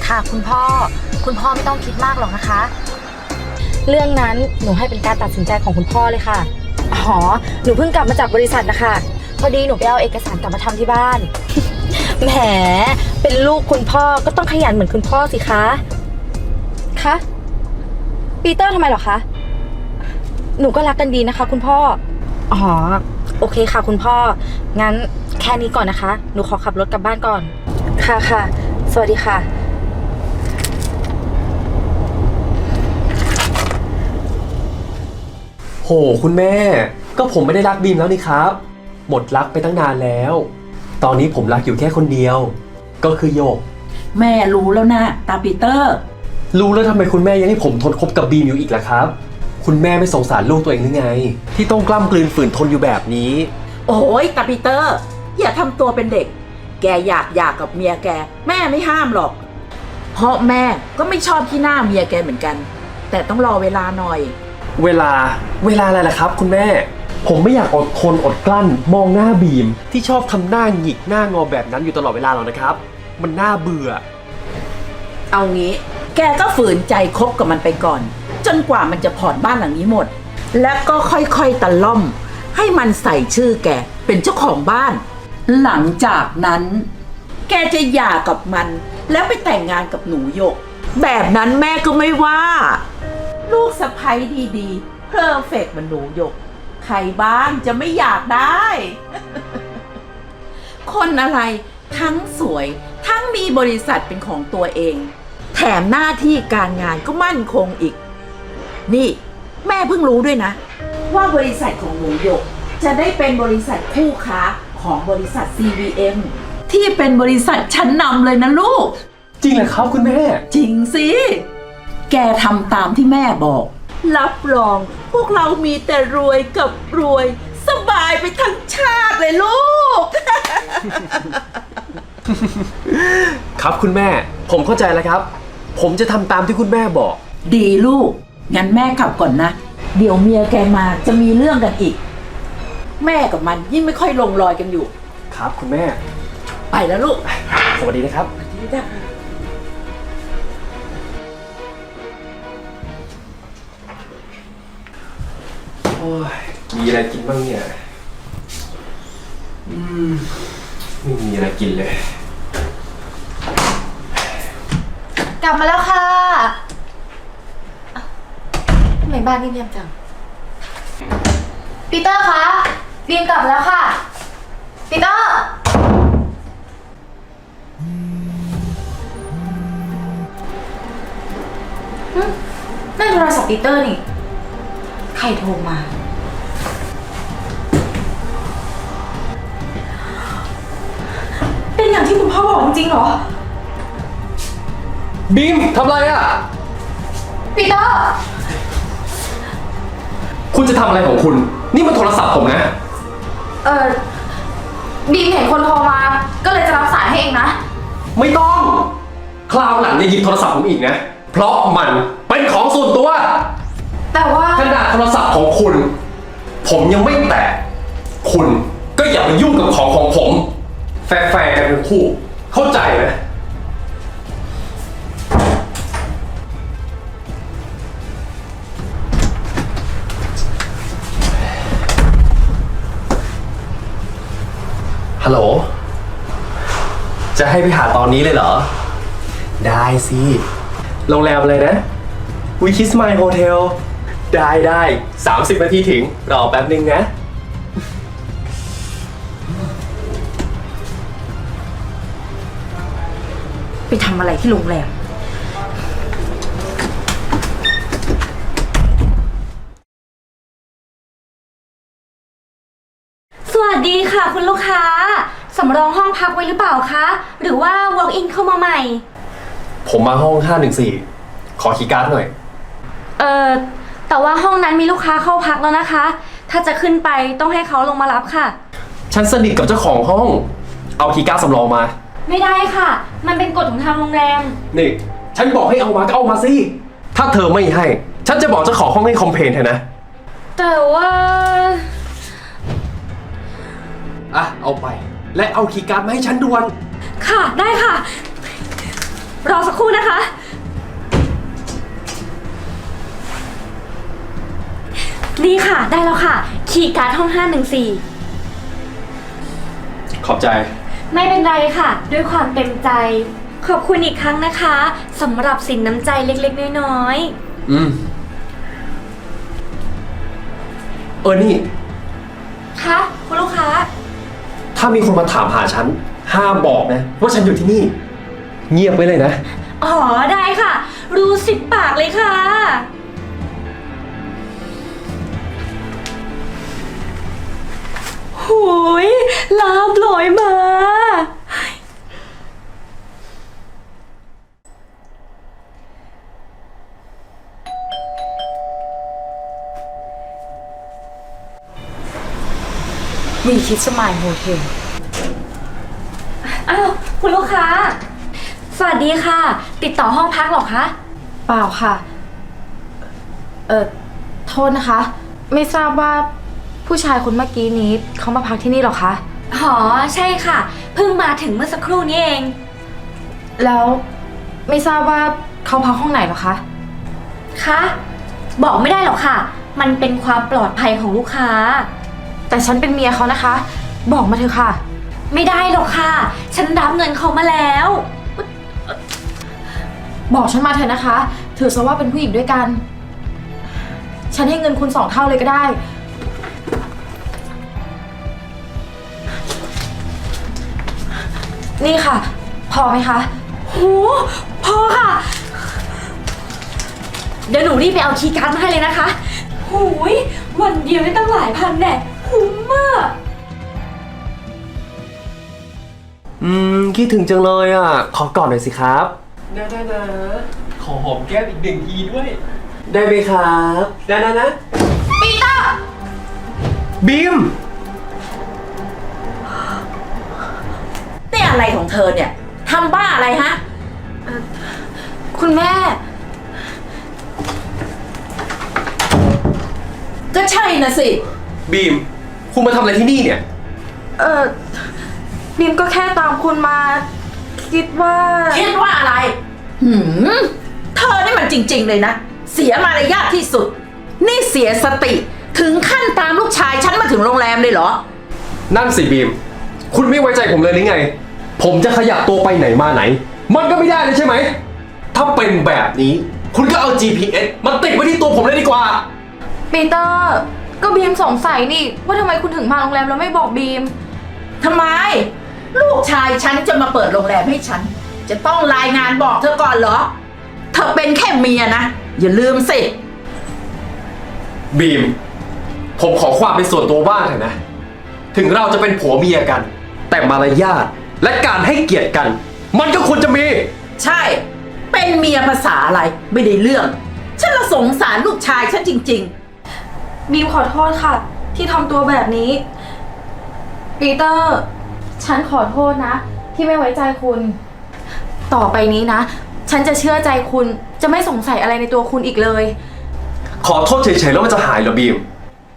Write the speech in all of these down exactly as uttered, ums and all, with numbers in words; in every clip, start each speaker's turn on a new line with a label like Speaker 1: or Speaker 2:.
Speaker 1: ค่ะคุณพ่อคุณพ่อไม่ต้องคิดมากหรอกนะคะเรื่องนั้นหนูให้เป็นการตัดสินใจของคุณพ่อเลยค่ะอ๋อหนูเพิ่งกลับมาจากบริษัทนะคะพอดีหนูไปเอาเอกสารกลับมาทำที่บ้าน แหมเป็นลูกคุณพ่อก็ต้องขยันเหมือนคุณพ่อสิคะคะปีเตอร์ทำไมเหรอคะหนูก็รักกันดีนะคะคุณพ่ออ๋อโอเคค่ะคุณพ่องั้นแค่นี้ก่อนนะคะหนูขอขับรถกลับบ้านก่อนค่ะค่ะสวัสดีค่ะ
Speaker 2: โหคุณแม่ก็ผมไม่ได้รักบีมแล้วนี่ครับหมดรักไปตั้งนานแล้ว ตอนนี้ผมรักอยู่แค่คนเดียวก็คือโยก
Speaker 3: แม่รู้แล้วนะตาปีเตอร์
Speaker 2: รู้แล้วทำไมคุณแม่ยังให้ผมทนคบกับบีมอยู่อีกล่ะครับคุณแม่ไม่สงสารลูกตัวเองหรือไงที่ต้องกล้ำกลืนฝืนทนอยู่แบบนี้
Speaker 3: โอ้ยตาปีเตอร์อย่าทำตัวเป็นเด็กแกอยากหย่ากับเมียแกแม่ไม่ห้ามหรอกเพราะแม่ก็ไม่ชอบที่หน้าเมียแกเหมือนกันแต่ต้องรอเวลาหน่อย
Speaker 2: เวลาเวลาอะไรล่ะครับคุณแม่ผมไม่อยากอดทนอดกลั้นมองหน้าบีมที่ชอบทำหน้าหงิกหน้างอแบบนั้นอยู่ตลอดเวลาหรอกนะครับมันน่าเบื่อ
Speaker 3: เอางี้แกก็ฝืนใจคบกับมันไปก่อนจนกว่ามันจะผ่อนบ้านหลังนี้หมดแล้วก็ค่อยๆตะล่อมให้มันใส่ชื่อแกเป็นเจ้าของบ้านหลังจากนั้นแกจะหย่ากับมันแล้วไปแต่งงานกับหนูหยกแบบนั้นแม่ก็ไม่ว่าลูกสะใภ้ดีๆเพอร์เฟกต์เหมือนหนูหยกใครบ้างจะไม่อยากได้ คนอะไรทั้งสวยทั้งมีบริษัทเป็นของตัวเองแถมหน้าที่การงานก็มั่นคงอีกนี่แม่เพิ่งรู้ด้วยนะว่าบริษัทของหนูหยกจะได้เป็นบริษัทคู่ค้าของบริษัท ซี วี เอ็ม ที่เป็นบริษัทชั้นนำเลยนะลูก
Speaker 2: จริงเหรอครับคุณแม่
Speaker 3: จริงสิแกทำตามที่แม่บอกรับรองพวกเรามีแต่รวยกับรวยสบายไปทั้งชาติเลยลูก
Speaker 2: ครับคุณแม่ผมเข้าใจแล้วครับผมจะทำตามที่คุณแม่บอก
Speaker 3: ดีลูกงั้นแม่กลับก่อนนะเดี๋ยวเมียแกมาจะมีเรื่องกันอีกแม่กับมันยิ่งไม่ค่อยลงรอยกันอยู่
Speaker 2: ครับคุณแม่
Speaker 3: ไปแล้วลูก
Speaker 2: สวัสดีนะครับ
Speaker 3: สวัสดีจ้ะ
Speaker 2: โอ้ยมีอะไรกินบ้างเนี่ยอืมไม่มีอะไรกินเลย
Speaker 1: กลับมาแล้วค่ะทำไมบ้านนี่เงียบจังปีเตอร์คะบีมกลับแล้วค่ะปีเตอร์นั่นโทรศัพท์ปีเตอร์นี่ใครโทรมาเป็นอย่างที่คุณพ่อบอกจริงๆเหรอ
Speaker 2: บีมทำไรอ่ะ
Speaker 1: ปีเตอร์
Speaker 2: คุณจะทำอะไรของคุณนี่มันโทรศัพท์ผมนะ
Speaker 1: เออบีมเห็นคนโทรมาก็เลยจะรับสายให้เองนะ
Speaker 2: ไม่ต้องคราวหลังอย่าหยิบโทรศัพท์ผมอีกนะเพราะมันเป็นของส่วนตัว
Speaker 1: แต่ว่า
Speaker 2: ขนาดโทรศัพท์ของคุณผมยังไม่แตะคุณก็อย่ามายุ่งกับของของผมแฟร์ๆกันทั้งคู่เข้าใจไหมฮัลโหลจะให้ไปหาตอนนี้เลยเหรอได้สิโรงแรมอะไรนะ We Kiss My Hotel ได้ได้สามสิบนาทีถึงรอแป๊บนึงนะ
Speaker 1: ไปทำอะไรที่โรงแรม
Speaker 4: สวัสดีค่ะคุณลูกค้าสำรองห้องพักไว้หรือเปล่าคะหรือว่า walk in เข้ามาใหม่
Speaker 2: ผมมาห้องห้าหนึ่งสี่ขอคีย์การ์ดหน่อย
Speaker 4: เอ่อแต่ว่าห้องนั้นมีลูกค้าเข้าพักแล้วนะคะถ้าจะขึ้นไปต้องให้เขาลงมารับค่ะ
Speaker 2: ฉันสนิทกับเจ้าของห้องเอาคีย์การ์ดสำรองมา
Speaker 4: ไม่ได้ค่ะมันเป็นกฎของทางโรงแรม
Speaker 2: นี่ฉันบอกให้เอามาก็เอามาสิถ้าเธอไม่ให้ฉันจะบอกเจ้าของห้องให้คอมเพลนเธอนะ
Speaker 4: แต่ว่า
Speaker 2: อ่ะเอาไปและเอาคีย์การ์ดมาให้ฉันด่วน
Speaker 4: ค่ะได้ค่ะรอสักครู่นะคะ นี่ค่ะ ได้แล้วค่ะ คีย์การ์ดห้องห้าหนึ่งสี่
Speaker 2: ขอบใจ
Speaker 4: ไม่เป็นไรค่ะ ด้วยความเต็มใจ ขอบคุณอีกครั้งนะคะสำหรับสินน้ำใจเล็กๆน้อย
Speaker 2: อืม เออ นี่
Speaker 4: ๆคะคุณลูกค้า
Speaker 2: ถ้ามีคนมาถามหาฉัน ห้ามบอกนะ ว่าฉันอยู่ที่นี่ เงียบไว้เลยนะ
Speaker 4: อ๋อ ได้ค่ะ รู้สิบปากเลยค่ะ หูยลาบลอยมา
Speaker 1: วีคิดสมายโฮเทล
Speaker 4: อ้าว คุณลูกค้า สวัสดีค่ะ ติดต่อห้องพักเหรอคะ
Speaker 1: เปล่าค่ะ เออโทษนะคะ ไม่ทราบว่าผู้ชายคนเมื่อกี้นี้เขามาพักที่นี่หรอคะ
Speaker 4: อ๋อ ใช่ค่ะ เพิ่งมาถึงเมื่อสักครู่นี้เอง
Speaker 1: แล้วไม่ทราบว่าเขาพักห้องไหนหรอคะ
Speaker 4: คะ บอกไม่ได้หรอกค่ะ มันเป็นความปลอดภัยของลูกค้า
Speaker 1: แต่ฉันเป็นเมียเขานะคะ บอกมาเถอะค่ะ
Speaker 4: ไม่ได้หรอกค่ะ ฉันรับเงินเขามาแล้ว
Speaker 1: บอกฉันมาเถอะนะคะ ถือซะว่าเป็นผู้หญิงด้วยกัน ฉันให้เงินคุณสองเท่าเลยก็ได้ นี่ค่ะ พอไหมคะ
Speaker 4: โห พอค่ะ เดี๋ยวหนูรีบไปเอาคีย์การ์ดมาให้เลยนะคะหูยวันเดียวได้ตั้งหลายพันแน่คุ้มมาก
Speaker 2: อืม คิดถึงจังเลยอ่ะ ขอกอดหน่อยสิครับได้ได้นะ ขอหอมแก้มอีกหนึ่งทีด้วย ได้ไหมครับได้นะนะปีเตอร์บีม
Speaker 3: นี่อะไรของเธอเนี่ยทำบ้าอะไรฮะ
Speaker 1: คุณแม่
Speaker 3: ก็ใช่นะสิ
Speaker 2: บีม คุณมาทำอะไรที่นี่เนี่ย
Speaker 1: เออบีมก็แค่ตามคุณมา คิดว่า
Speaker 3: คิดว่าอะไร หืม เธอนี่มันจริงๆเลยนะ เสียมารยาทที่สุด นี่เสียสติ ถึงขั้นตามลูกชายฉันมาถึงโรงแรมเลยเหรอ
Speaker 2: นั่นสิบีม คุณไม่ไว้ใจผมเลยหรือไง ผมจะขยับตัวไปไหนมาไหน มันก็ไม่ได้เลยใช่ไหม ถ้าเป็นแบบนี้ คุณก็เอา จี พี เอส มาติดไว้ที่ตัวผมเลยดีกว่า
Speaker 1: ปีเตอร์ ก็บีมสงสัยนี่ ว่าทำไมคุณถึงมาโรงแรมแล้วไม่บอกบีม
Speaker 3: ทำไม ลูกชายฉันจะมาเปิดโรงแรมให้ฉัน จะต้องรายงานบอกเธอก่อนเหรอ เธอเป็นแค่เมียนะ อย่าลืมสิ
Speaker 2: บีม ผมขอความเป็นส่วนตัวบ้างเถอะนะ ถึงเราจะเป็นผัวเมียกัน แต่มารยาทและการให้เกียรติกัน มันก็ควรจะมี
Speaker 3: ใช่ เป็นเมียภาษาอะไร ไม่ได้เรื่อง ฉันละสงสารลูกชายฉันจริง
Speaker 1: บีมขอโทษค่ะ ที่ทำตัวแบบนี้ ปีเตอร์ ฉันขอโทษนะ ที่ไม่ไว้ใจคุณ ต่อไปนี้นะ ฉันจะเชื่อใจคุณ จะไม่สงสัยอะไรในตัวคุณอีกเลย
Speaker 2: ขอโทษเฉยๆแล้วมันจะหายเหรอบีม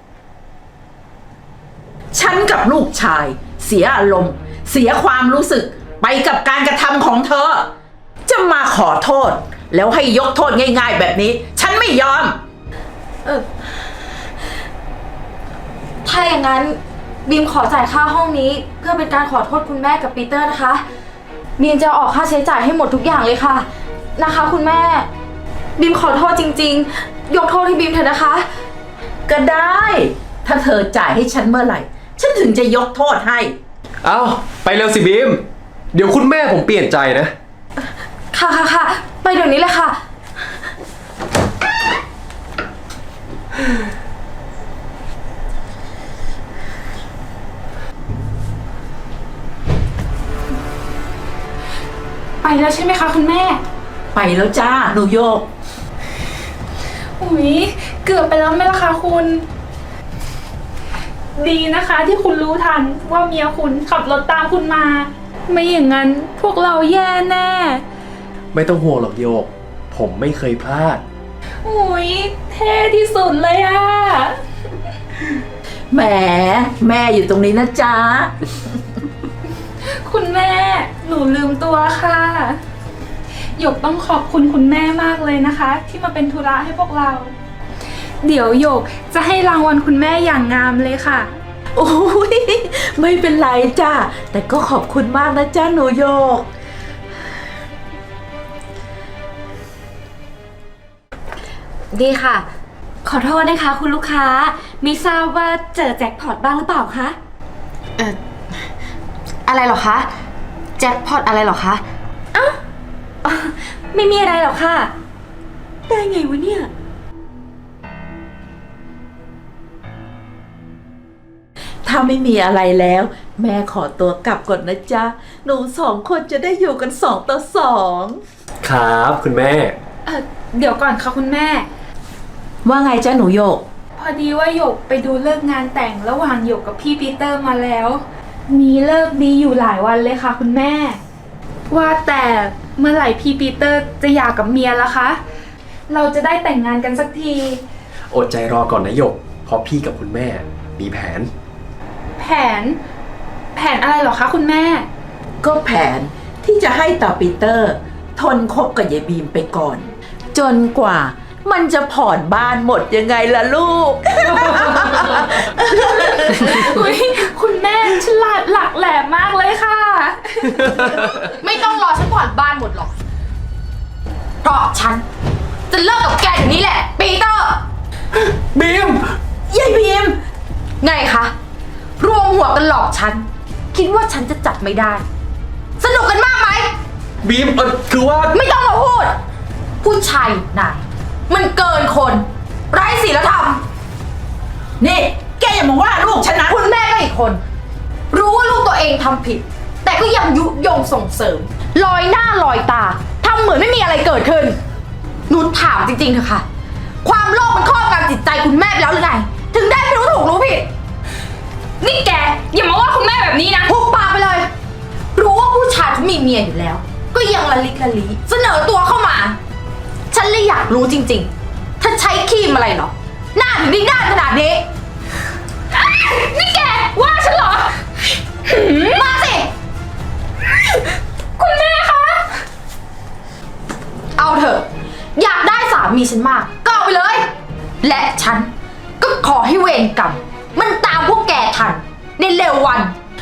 Speaker 3: ๆ ฉันกับลูกชาย เสียอารมณ์ เสียความรู้สึก ไปกับการกระทำของเธอ จะมาขอโทษ แล้วให้ยกโทษง่ายๆแบบนี้ ฉันไม่ยอม
Speaker 1: เออ ถ้าอย่างนั้นบีมขอจ่ายค่าห้องนี้ เพื่อเป็นการขอโทษคุณแม่กับปีเตอร์นะคะบีมจะออกค่าใช้จ่ายให้หมดทุกอย่างเลยค่ะ นะคะ คุณแม่บีมขอโทษจริงๆ ยกโทษให้บีมเถอะนะคะ
Speaker 3: ก็ได้ ถ้าเธอจ่ายให้ฉันเมื่อไหร่ ฉันถึงจะยกโทษให้
Speaker 2: เอ้า ไปเร็วสิบีม เดี๋ยวคุณแม่ผมเปลี่ยนใจนะ
Speaker 1: ค่ะค่ะค่ะไปเดี๋ยวนี้เลยค่ะ
Speaker 5: ไปแล้วใช่ไหมคะคุณแม่
Speaker 3: ไปแล้วจ้าหนูโยก
Speaker 5: อุ๊ย เกือบไปแล้วไหมล่ะคะคุณ ดีนะคะที่คุณรู้ทันว่าเมียคุณขับรถตามคุณมา ไม่อย่างนั้นพวกเราแย่แน่
Speaker 2: ไม่ต้องห่วงหรอกโยก ผมไม่เคยพลาด
Speaker 5: อุ๊ย เท่ที่สุดเลยอะ
Speaker 3: แหม แม่อยู่ตรงนี้นะจ๊ะ
Speaker 5: คุณแม่ หนูลืมตัวค่ะหยกต้องขอบคุณคุณแม่มากเลยนะคะ ที่มาเป็นธุระให้พวกเรา เดี๋ยวหยกจะให้รางวัลคุณแม่อย่างงามเลยค่ะ
Speaker 3: โอ้ยไม่เป็นไรจ้าแต่ก็ขอบคุณมากนะจ้าหนูโยก
Speaker 1: ดีค่ะ
Speaker 4: ขอโทษนะคะคุณลูกค้ามิทราบว่าเจอแจ็คพอตบ้างหรือเปล่าคะ
Speaker 1: เอ่อ อะไรเหรอคะ แจ็คพอตอะไรเหรอคะ
Speaker 4: อ๋อไม่มีอะไรหรอกค่ะ ได้ไงวะเนี่ย
Speaker 3: ถ้าไม่มีอะไรแล้ว แม่ขอตัวกลับก่อนนะจ๊ะ หนูสองคนจะได้อยู่กันสองต่อสอง
Speaker 2: ครับคุณแม่
Speaker 5: เออเดี๋ยวก่อนค่ะคุณแม่
Speaker 3: ว่าไงจ้าหนูโยก
Speaker 5: พอดีว่าหยกไปดูเลิกษ์งานแต่งระหว่างหยกกับพี่ปีเตอร์มาแล้ว มีเลิกษ์ดีอยู่หลายวันเลยค่ะคุณแม่ ว่าแต่เมื่อไหร่พี่ปีเตอร์จะหย่ากับเมียละคะ เราจะได้แต่งงานกันสักที
Speaker 2: อดใจรอก่อนนะหยก เพราะพี่กับคุณแม่มีแผน
Speaker 5: แผน แผนอะไรเหรอคะคุณแม่
Speaker 3: ก็แผนที่จะให้ตาปีเตอร์ ทนคบกับยายบีมไปก่อน จนกว่ามันจะผ่อนบ้านหมดยังไงล่ะลูก
Speaker 5: อุ๊ยคุณแม่ฉลาดหลักแหลมมากเลยค่ะ
Speaker 1: ไม่ต้องรอฉันผ่อนบ้านหมดหรอก เพราะฉัน จะเลิกกับแกเดี๋ยวนี้แหละ ปีเตอร์
Speaker 2: บีม
Speaker 3: ยายบีม
Speaker 1: ไงคะ รวมหัวกันหลอกฉัน คิดว่าฉันจะจับไม่ได้ สนุกกันมากไหม
Speaker 2: บีมเออคือว่า
Speaker 1: ไม่ต้องมาพูด ผู้ชายนายมันเกินคน ไร้ศีลธรรม
Speaker 3: นี่แกอย่ามาว่าลูกฉันนะ
Speaker 1: คุณแม่ก็อีกคน รู้ว่าลูกตัวเองทำผิด แต่ก็ยังยุยงส่งเสริม ลอยหน้าลอยตาทำเหมือนไม่มีอะไรเกิดขึ้นหนูถามจริงๆเถอะค่ะ ความโลภมันครอบงำจิตใจคุณแม่ไปแล้วหรือไง ถึงได้ไม่รู้ถูกรู้ผิด
Speaker 5: นี่แกอย่ามาว่าคุณแม่แบบนี้นะ
Speaker 1: พุกปากไปเลย รู้ว่าผู้ชายเขามีเมียอยู่แล้ว ก็ยังละลิกละลีเสนอตัวเข้ามา ฉันเลยอยากรู้จริงๆ ถ้าใช้ครีมอะไรเหรอ หน้าถึงได้ด้านขนาดนี้
Speaker 5: นี่แกว่าฉันเหรอ
Speaker 1: มาสิ
Speaker 5: คุณแม่คะ
Speaker 1: เอาเถอะ อยากได้สามีฉันมาก ก็เอาไปเลย และฉันก็ขอให้เวรกรรม มันตามพวกแกทัน ในเร็ววัน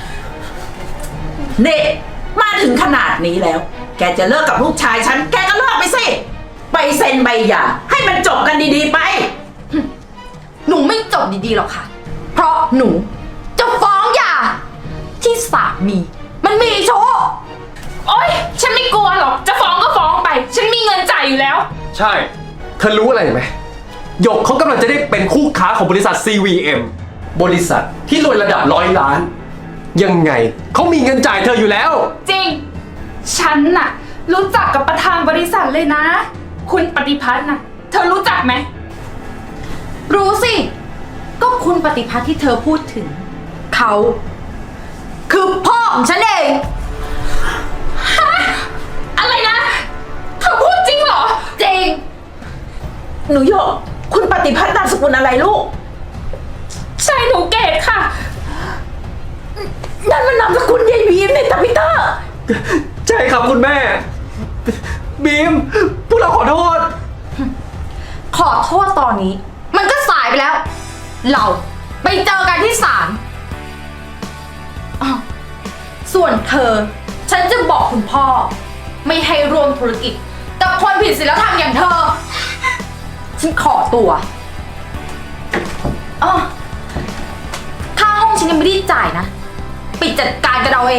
Speaker 3: นี่มาถึงขนาดนี้แล้ว แกจะเลิกกับลูกชายฉัน แกก็เลิกไปสิ ไปเซ็นใบหย่าให้มันจบกันดีๆไป
Speaker 1: หนูไม่จบดีๆหรอกค่ะ เพราะหนูจะฟ้องหย่า ที่สามี มันมีโชว์
Speaker 5: โอ๊ย ฉันไม่กลัวหรอก จะฟ้องก็ฟ้องไป ฉันมีเงินจ่ายอยู่แล้ว
Speaker 2: ใช่ เธอรู้อะไรไหมหยกเขากำลังจะได้เป็นคู่ค้าของบริษัท ซี วี เอ็ม บริษัทที่รวยระดับร้อยล้าน ยังไงเขามีเงินจ่ายเธออยู่แล้ว
Speaker 5: จริง ฉันน่ะ รู้จักกับประธานบริษัทเลยนะ คุณปฏิพัฒน์น่ะ เธอรู้จักไหม
Speaker 1: รู้สิ ก็คุณปฏิพัฒน์ที่เธอพูดถึง เขา คือพ่อของฉันเอง
Speaker 5: อะไรนะ เธอพูดจริงเหรอ
Speaker 1: จริง
Speaker 3: หนูโยก คุณปฏิพัฒน์นามสกุลอะไรลูก
Speaker 5: ใช่หนูเกดค่ะ
Speaker 3: นั่นมันนามสกุลยายบีมเนี่ยตาปีเตอร์
Speaker 2: ใช่ครับคุณแม่ บีม พวกเราขอโทษ
Speaker 1: ขอโทษตอนนี้ มันก็สายไปแล้ว เราไปเจอกันที่ศาลอ้าวส่วนเธอ ฉันจะบอกคุณพ่อ ไม่ให้ร่วมธุรกิจกับคนผิดศีลธรรมอย่างเธอ ฉันขอตัวอ๋อค่าห้องฉันยังไม่ได้จ่ายนะ ไปจัดการกันเราเอง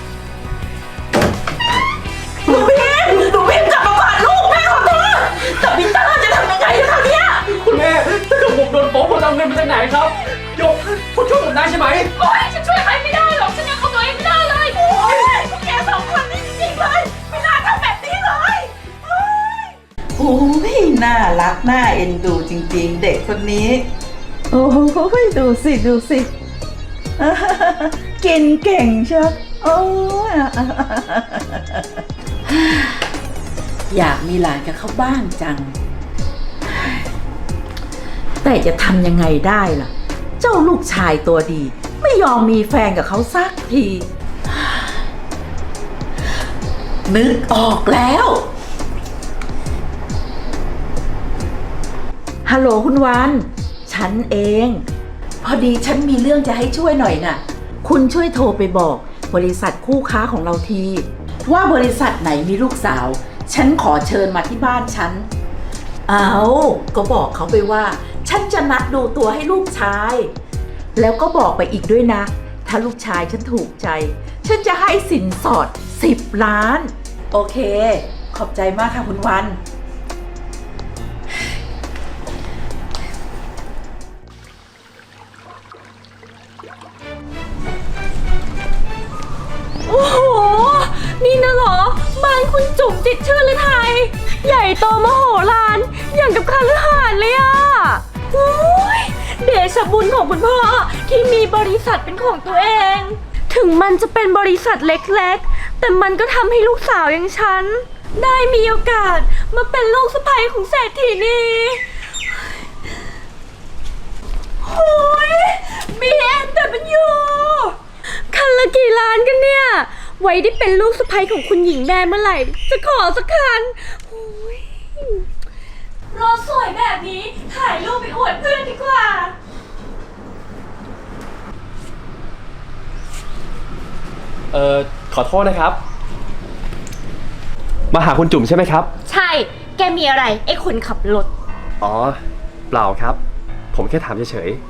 Speaker 3: หนูบีมหนูบีมกลับมาก่อนลูกแม่ขอโทษตาปีเตอร์จะทำยังไงล่ะเนี่ย
Speaker 2: คุณแม่ ถ้าเกิดผมโดนฟ้องผมจะเอาเงินมาจากไหนครับหยกคุณช่วยผมได้ใช่ไหม
Speaker 5: โอ๊ย ฉันช่วยใครไม่ได้หรอก ฉันยังเข้าตัวเองไม่ได้เลย
Speaker 3: โอ้ยพวกแกสองคนนี่จริงๆเลย ไม่น่าทำแบบนี้เลยโอ้ยน่ารักน่าเอ็นดูจริงๆ เด็กคนนี้ โอ้ยดูสิดูสิ กินเก่งเชียวโอ้ยอยากมีหลานกับเขาบ้างจัง แต่จะทำยังไงได้ล่ะ เจ้าลูกชายตัวดี ไม่ยอมมีแฟนกับเขาสักที นึกออกแล้วฮัลโหลคุณวัน ฉันเอง พอดีฉันมีเรื่องจะให้ช่วยหน่อยน่ะ คุณช่วยโทรไปบอกบริษัทคู่ค้าของเราที ว่าบริษัทไหนมีลูกสาว ฉันขอเชิญมาที่บ้านฉัน เอาก็บอกเขาไปว่า ฉันจะนัดดูตัวให้ลูกชาย แล้วก็บอกไปอีกด้วยนะ ถ้าลูกชายฉันถูกใจ ฉันจะให้สินสอดสิบล้าน โอเค ขอบใจมากค่ะคุณวัน
Speaker 4: โอ้โห นี่นะเหรอ บ้านคุณจุ๋มจิตรชื่นฤทัยใหญ่โตมโหฬารอย่างกับคฤหาสน์เลยอะโอ้ยเดชะบุญของคุณพ่อที่มีบริษัทเป็นของตัวเอง ถึงมันจะเป็นบริษัทเล็กๆ แต่มันก็ทำให้ลูกสาวอย่างฉัน ได้มีโอกาสมาเป็นลูกสะใภ้ของเศรษฐีนีโอ้ย บี เอ็ม ดับเบิลยู คันละกี่ล้านกันเนี่ย ไว้ได้เป็นลูกสะใภ้ของคุณหญิงแม่เมื่อไหร่ จะขอสักคันโอ้ยรถสวยแบบนี้ถ่ายรูปไปอวดเพื่อนดีกว่า
Speaker 2: เอ่อ ขอโทษนะครับ มาหาคุณจุ๋มใช่ไหมครับ
Speaker 4: ใช่ แกมีอะไรไอ้คนขับรถ
Speaker 2: อ๋อ เปล่าครับ ผมแค่ถามเฉย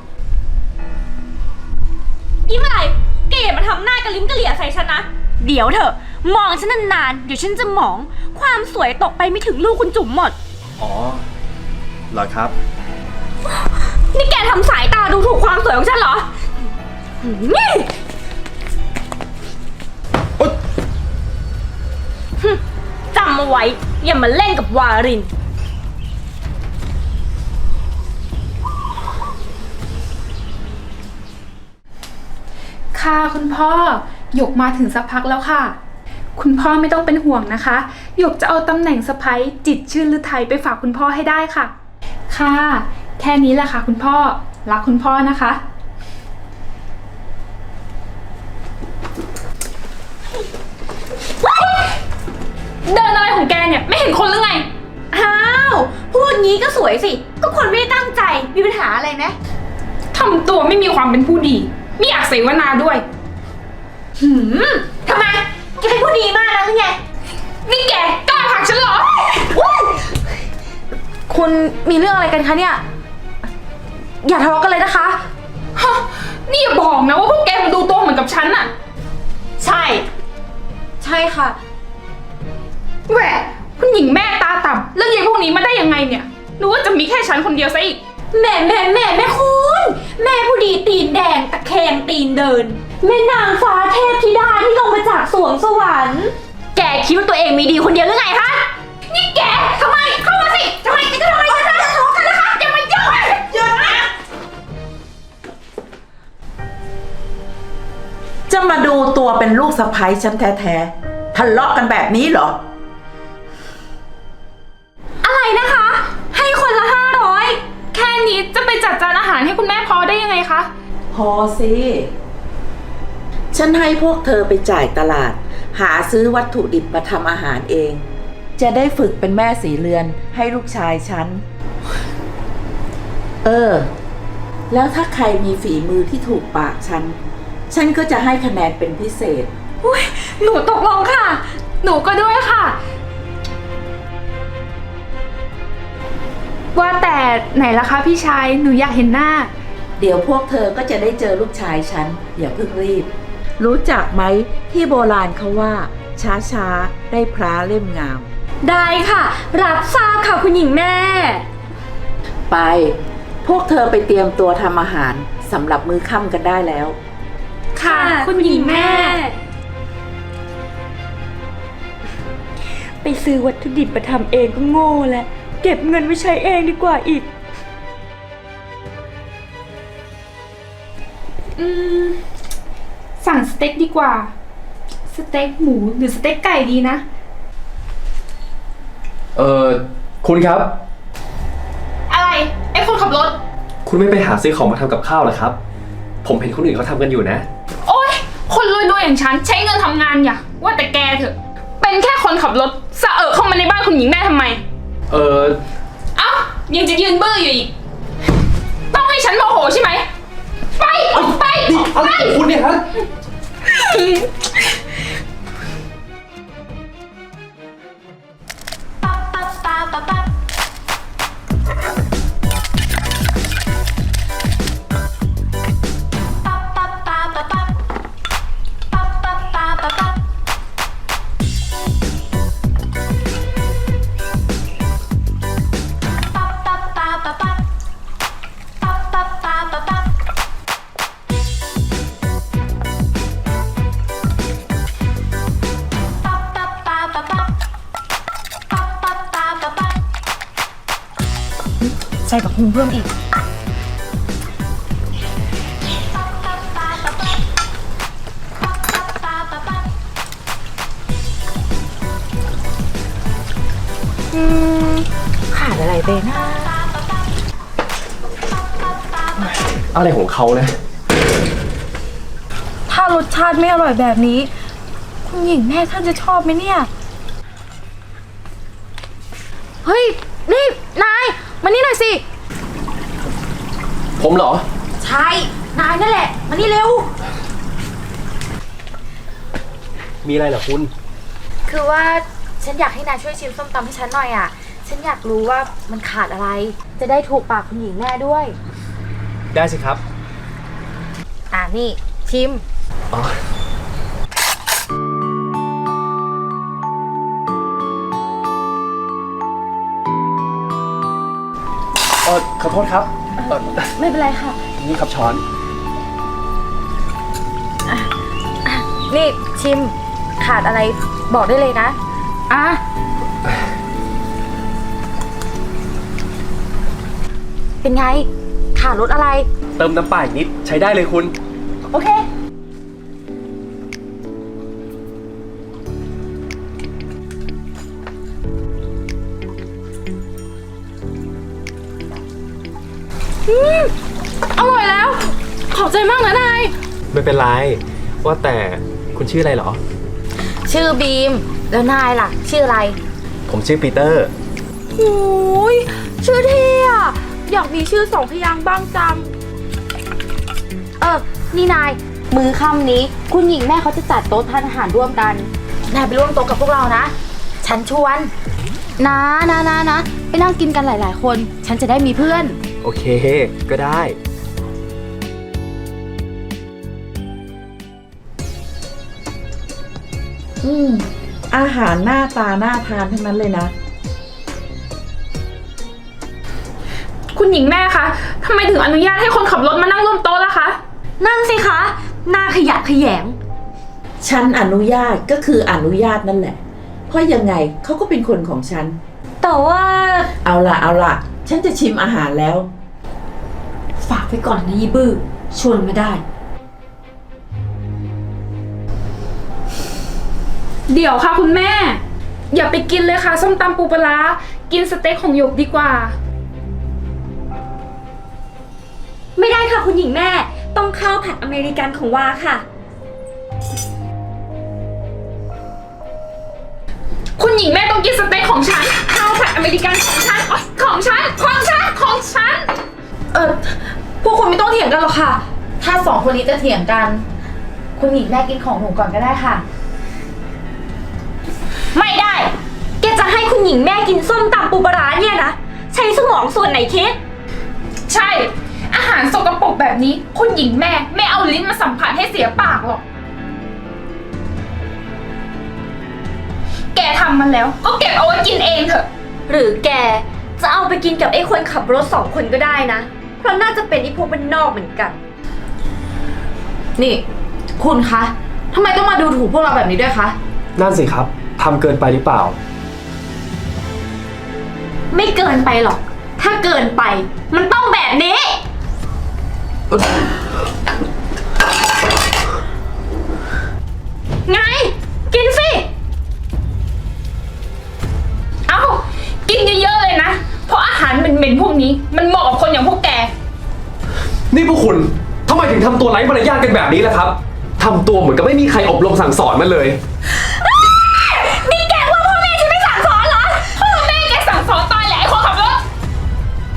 Speaker 4: นี่เมื่อไหร่แกอย่ามาทำหน้ากระลิ้มกระเหลี่ยใส่ฉันนะ เดี๋ยวเถอะ มองฉันนานๆ เดี๋ยวฉันจะหมอง ความสวยตกไปไม่ถึงลูกคุณจุ๋มหมด
Speaker 2: ๆ อ๋อ เหรอครับ
Speaker 4: นี่แกทำสายตาดูถูกความสวยของฉันเหรอหืมฮึจำเอาไว้ อย่ามาเล่นกับวาริน
Speaker 5: ค่ะคุณพ่อหยกมาถึงสักพักแล้วค่ะ คุณพ่อไม่ต้องเป็นห่วงนะคะหยกจะเอาตำแหน่งสะใภ้จิตรชื่นฤทัยไปฝากคุณพ่อให้ได้ค่ะ ค่ะ แค่นี้แหละค่ะคุณพ่อรักคุณพ่อนะคะ เดินอะไรของแกเนี่ยไม่เห็นคนหรือไง
Speaker 4: อ้าว พูดงี้ก็สวยสิ ก็คนไม่ได้ตั้งใจ มีปัญหาอะไรไหม
Speaker 5: ทำตัวไม่มีความเป็นผู้ดี ไม่อยากเสวนาด้วย
Speaker 4: หืมทำไม แกเป็นผู้ดีมากนะหรือไง
Speaker 5: นี่แกกล้าผลักฉันเหรอ
Speaker 1: คุณมีเรื่องอะไรกันคะเนี่ย อย่าทะเลาะกันเลยนะคะ
Speaker 5: ฮะ นี่อย่าบอกนะว่าพวกแกมาดูตัวเหมือนกับฉันอะ
Speaker 4: ใช่
Speaker 1: ใช่ค่ะ
Speaker 5: แหวะคุณหญิงแม่ตาต่ำแล้วยายพวกนี้มาได้ยังไงเนี่ยนึกว่าจะมีแค่ฉันคนเดียวซะอีก
Speaker 4: แม่แม่แม่แม่คุณ แม่ผู้ดีตีนแดงตะแคงตีนเดิน แม่นางฟ้าเทพธิดาที่ลงมาจากสวงสวรรค์ แกคิดว่าตัวเองมีดีคนเดียวหรือไงคะ นี่แกทำไมเข้ามาสิทำไมจะทำไมจะทะเลาะกันนะคะอย่ามายุ่งหยุดนะ
Speaker 3: จะมาดูตัวเป็นลูกสะใภ้ฉันแท้ๆ ทะเลาะกันแบบนี้เหรอ
Speaker 4: อะไรนะคะ ให้คนละห้าร้อย
Speaker 5: แค่นี้จะไปจัดจานอาหารให้คุณแม่พอได้ยังไงคะ
Speaker 3: พอสิ ฉันให้พวกเธอไปจ่ายตลาด หาซื้อวัตถุดิบมาทำอาหารเอง จะได้ฝึกเป็นแม่สีเรือนให้ลูกชายฉัน เออ แล้วถ้าใครมีฝีมือที่ถูกปากฉัน ฉันก็จะให้คะแนนเป็นพิเศษ
Speaker 5: อุ้ยหนูตกลงค่ะ หนูก็ด้วยค่ะ ว่าแต่ไหนล่ะคะพี่ชาย หนูอยากเห็นหน้า
Speaker 3: เดี๋ยวพวกเธอก็จะได้เจอลูกชายฉัน อย่าเพิ่งรีบ รู้จักไหมที่โบราณเขาว่า ช้าๆ ได้พระเล่มงาม
Speaker 4: ได้ค่ะ รับทราบค่ะคุณหญิงแม่
Speaker 3: ไป พวกเธอไปเตรียมตัวทำอาหารสำหรับมื้อค่ำกันได้แล้ว
Speaker 5: ค่ะ คุณหญิงแม่
Speaker 4: ไปซื้อวัตถุดิบมาทำเองก็โง่แหละ เก็บเงินไว้ใช้เองดีกว่าอีก
Speaker 5: อืม สั่งสเต็กดีกว่า สเต็กหมูหรือสเต็กไก่ดีนะ
Speaker 2: เอ่อ คุณครับ
Speaker 5: อะไร ไอ้คนขับรถ
Speaker 2: คุณไม่ไปหาซื้อของมาทำกับข้าวเหรอครับ ผมเห็นคนอื่นเขาทำกันอยู่นะ
Speaker 5: โอ๊ย คนรวยๆอย่างฉันใช้เงินทำงานอย่าว่าแต่แกเถอะ เป็นแค่คนขับรถสะเอะเข้ามาในบ้านคุณหญิงได้ทำไม
Speaker 2: เอ่อ
Speaker 5: เอ้ายังจะยืนเบื่ออยู่อีก ต้องให้ฉันโมโหใช่ไหม ไป ไป
Speaker 2: นี่อะไรของคุณเนี่ยฮะ
Speaker 1: ใส่กับพุงเพิ่มอีก อืม ขาดอะไรไปนะ
Speaker 2: อะไรของเขานะ
Speaker 1: ถ้ารสชาติไม่อร่อยแบบนี้ คุณหญิงแม่ท่านจะชอบไหมเนี่ย เฮ้ย นี่ นาย มานี่หน่อยสิ
Speaker 2: ผมเหรอ
Speaker 1: ใช่ นายนั่นแหละ มานี่เร็ว
Speaker 2: มีอะไรเหรอคุณ
Speaker 1: คือว่าฉันอยากให้นายช่วยชิมส้มตำให้ฉันหน่อยอ่ะ ฉันอยากรู้ว่ามันขาดอะไร จะได้ถูกปากคุณหญิงแม่ด้วย
Speaker 2: ได้สิครับ
Speaker 1: อ่านี่ ชิม
Speaker 2: อ๋อ เออขอโทษครับเอ่อ
Speaker 1: ไม่เป็นไรค่ะ
Speaker 2: นี่ครับช้อน
Speaker 1: นี่ชิม ขาดอะไรบอกได้เลยนะ อ่ะ เป็นไง ขาดรสอะไร
Speaker 2: เติมน้ำปลาอีกนิดใช้ได้เลยคุณ
Speaker 1: โอเค อืม อร่อยแล้ว ขอบใจมากนะนาย
Speaker 2: ไม่เป็นไร ว่าแต่คุณชื่ออะไรเหรอ
Speaker 1: ชื่อบีม แล้วนายล่ะ ชื่ออะไร
Speaker 2: ผมชื่อปีเตอร์
Speaker 1: โอ้ยชื่อเท่อะอยากมีชื่อสองพยางค์บ้างจัง เออ นี่นาย มื้อค่ำนี้ คุณหญิงแม่เขาจะจัดโต๊ะทานอาหารร่วมกัน นายไปร่วมโต๊ะกับพวกเรานะ ฉันชวน นะนะนะนะ ไปนั่งกินกันหลายๆคน ฉันจะได้มีเพื่อน
Speaker 2: โอเค ก็ได้
Speaker 3: อืม อาหารหน้าตาน่าทานทั้งนั้นเลยนะ
Speaker 5: คุณหญิงแม่คะทำไมถึงอนุญาตให้คนขับรถมานั่งร่วมโต๊ะล่ะคะ
Speaker 4: นั่นสิคะ หน้าขยะแขยง
Speaker 3: ฉันอนุญาตก็คืออนุญาตนั่นแหละ เพราะยังไงเขาก็เป็นคนของฉัน
Speaker 4: แต่ว่า
Speaker 3: เอาล่ะเอาล่ะ ฉันจะชิมอาหารแล้ว
Speaker 4: ฝากไว้ก่อนนะยีบื้อ ชวนไม่ได้
Speaker 5: เดี๋ยวค่ะคุณแม่ อย่าไปกินเลยค่ะ ส้มตำปูปลาร้ากินสเต็กของหยกดีกว่า
Speaker 4: ไม่ได้ค่ะคุณหญิงแม่ ต้องข้าวผัดอเมริกันของวาค่ะ
Speaker 5: คุณหญิงแม่ต้องกินสเต็กของฉันข้าวผัดอเมริกันของฉันอ๋อของฉัน ของฉัน ของฉัน
Speaker 1: เออพวกคุณไม่ต้องเถียงกันหรอกค่ะ ถ้าสองคนนี้จะเถียงกัน คุณหญิงแม่กินของหนูก่อนก็ได้ค่ะ
Speaker 4: ไม่ได้ แกจะให้คุณหญิงแม่กินส้มตำปูปลาร้าเนี่ยนะ ใช้สมองส่วนไหนคิด
Speaker 5: ใช่ อาหารสกปรกแบบนี้ คุณหญิงแม่ไม่เอาลิ้นมาสัมผัสให้เสียปากหรอก แกทำมันแล้ว ก็เก็บเอาไว้กินเองเถอะ
Speaker 4: หรือแกจะเอาไปกินกับไอ้คนขับรถสองคนก็ได้นะ เพราะน่าจะเป็นไอ้พวกบ้านนอกเหมือนกัน
Speaker 1: นี่ คุณคะทำไมต้องมาดูถูกพวกเราแบบนี้ด้วยคะ
Speaker 2: นั่นสิครับ ทำเกินไปหรือเปล่า
Speaker 4: ไม่เกินไปหรอก ถ้าเกินไป มันต้องแบบนี้ ไง กินสิ
Speaker 5: เอ้า กินเยอะๆเลยนะ เพราะอาหารเหม็นๆพวกนี้ มันเหมาะกับคนอย่างพวกแก
Speaker 2: นี่พวกคุณทำไมถึงทำตัวไร้มารยาทกันแบบนี้ล่ะครับทำตัวเหมือนกับไม่มีใครอบรมสั่งสอนมันเลย
Speaker 4: นี่แกว่าพ่อแม่ฉันไม่สั่งสอนเหรอ
Speaker 5: พ่อแม่แกสั่งสอนตายแหละไอ้คนขับรถ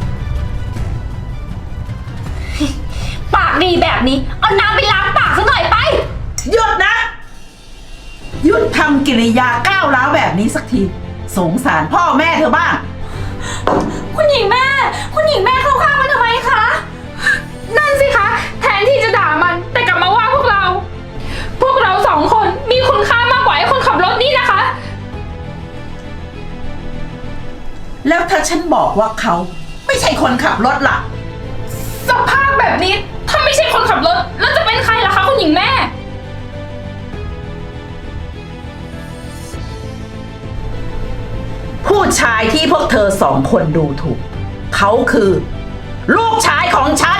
Speaker 3: สักที สงสารพ่อแม่เธอบ้าง
Speaker 4: คุณหญิงแม่ คุณหญิงแม่เข้าข้างมันทำไมคะ
Speaker 5: นั่นสิคะ แทนที่จะด่ามันแต่กลับมาว่าพวกเรา พวกเราสองคนมีคุณค่ามากกว่าไอ้คนขับรถนี่นะคะ
Speaker 3: แล้วถ้าฉันบอกว่าเขาไม่ใช่คนขับรถล่ะ
Speaker 5: สภาพแบบนี้ถ้าไม่ใช่คนขับรถแล้วจะเป็นใครล่ะคะคุณหญิงแม่
Speaker 3: ผู้ชายที่พวกเธอสองคนดูถูก เขาคือ ลูกชายของฉัน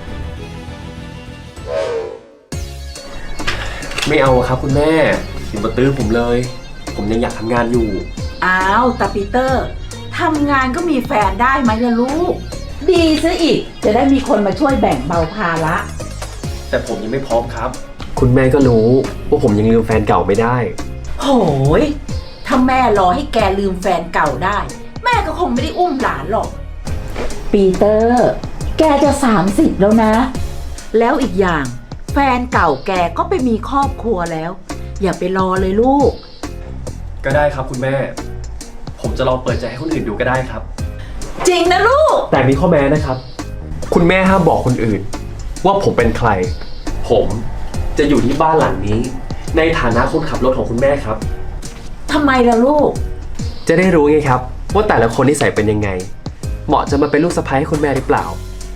Speaker 2: ไม่เอาครับคุณแม่อย่ามาตื้อผมเลย ผมยังอยากทำงานอยู่
Speaker 3: อ้าวตาปีเตอร์ทำงานก็มีแฟนได้ไหมล่ะลูก ดีซะอีก จะได้มีคนมาช่วยแบ่งเบาภาระ
Speaker 2: แต่ผมยังไม่พร้อมครับ คุณแม่ก็รู้ว่าผมยังลืมแฟนเก่าไม่ได้
Speaker 3: โหย ถ้าแม่รอให้แกลืมแฟนเก่าได้ แม่ก็คงไม่ได้อุ้มหลานหรอก ปีเตอร์ แกจะสามสิบแล้วนะ แล้วอีกอย่าง แฟนเก่าแกก็ไปมีครอบครัวแล้ว อย่าไปรอเลยลูก
Speaker 2: ก็ได้ครับคุณแม่ ผมจะลองเปิดใจให้คนอื่นดูก็ได้ครับ
Speaker 3: จริงนะลูก
Speaker 2: แต่มีข้อแม้นะครับ คุณแม่ห้ามบอกคนอื่น ว่าผมเป็นใคร ผมจะอยู่ที่บ้านหลังนี้ ในฐานะคนขับรถของคุณแม่ครับ
Speaker 3: ทำไมล่ะลูก
Speaker 2: จะได้รู้ไงครับ ว่าแต่ละคนนิสัยเป็นยังไง เหมาะจะมาเป็นลูกสะใภ้ให้คุณแม่หรือเปล่า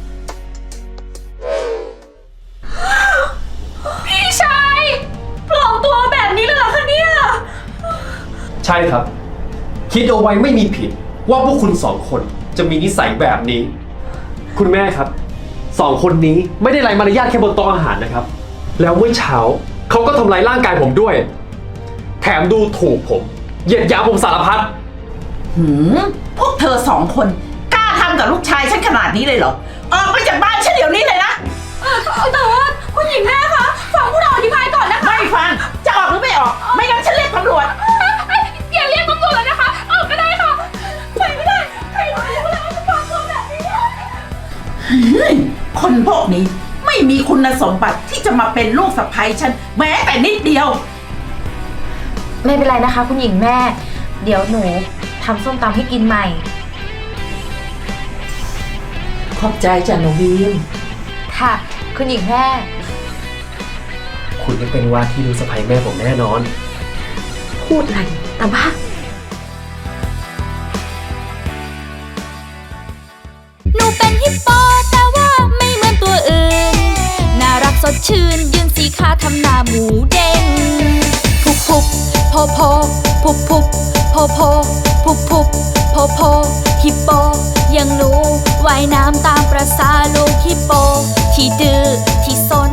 Speaker 4: พี่ชายปลอมตัวแบบนี้เลยเหรอคะเนี่ย
Speaker 2: ใช่ครับ คิดเอาไว้ไม่มีผิดว่าพวกคุณสองคนจะมีนิสัยแบบนี้ คุณแม่ครับสองคนนี้ไม่ได้ไร้มารยาทแค่บนโต๊ะอาหารนะครับ แล้วเมื่อเช้าเขาก็ทำร้ายร่างกายผมด้วย แถมดูถูกผมเหยียดหยามผมสารพัด
Speaker 3: หืม พวกเธอสองคนกล้าทำกับลูกชายฉันขนาดนี้เลยเหรอ ออกไปจากบ้านฉันเดี๋ยวนี้เลยนะ
Speaker 4: แต่ว่าคุณหญิงแม่คะฟังพวกเราอธิบายก่อนนะคะ
Speaker 3: ไม่ฟัง จะออกหรือไม่ออก ไม่งั้นฉันเรียกตำรวจ
Speaker 5: อย่าเรียกตำรวจเลยนะคะ ออกก็ได้ค่ะ
Speaker 4: ไปไม่ได้ ใครรู้ว่าเราจะฟังคนแบบนี้
Speaker 3: เฮ้ยคนพวกนี้ไม่มีคุณสมบัติที่จะมาเป็นลูกสะใภ้ฉันแม้แต่นิดเดียว
Speaker 1: ไม่เป็นไรนะคะ คุณหญิงแม่ เดี๋ยวหนูทำส้มตำให้กินใหม่
Speaker 3: ขอบใจจ้ะหนูบีม
Speaker 1: ค่ะ คุณหญิงแม่
Speaker 2: คุณจะเป็นว่าที่ลูกสะใภ้แม่ผมแน่นอน
Speaker 1: พูดอะไรตาบ้า
Speaker 6: หนูเป็นฮิปโปแต่ว่าไม่เหมือนตัวอื่น น่ารักสดชื่นยืนสีขาทำหน้าหมูเด้งพุบพุบโพโพพุบพุบโพโพพุบพุบโพโพฮิปโปยังหนูว่ายน้ำตามประสาลูกฮิปโปที่ดื้อที่ซน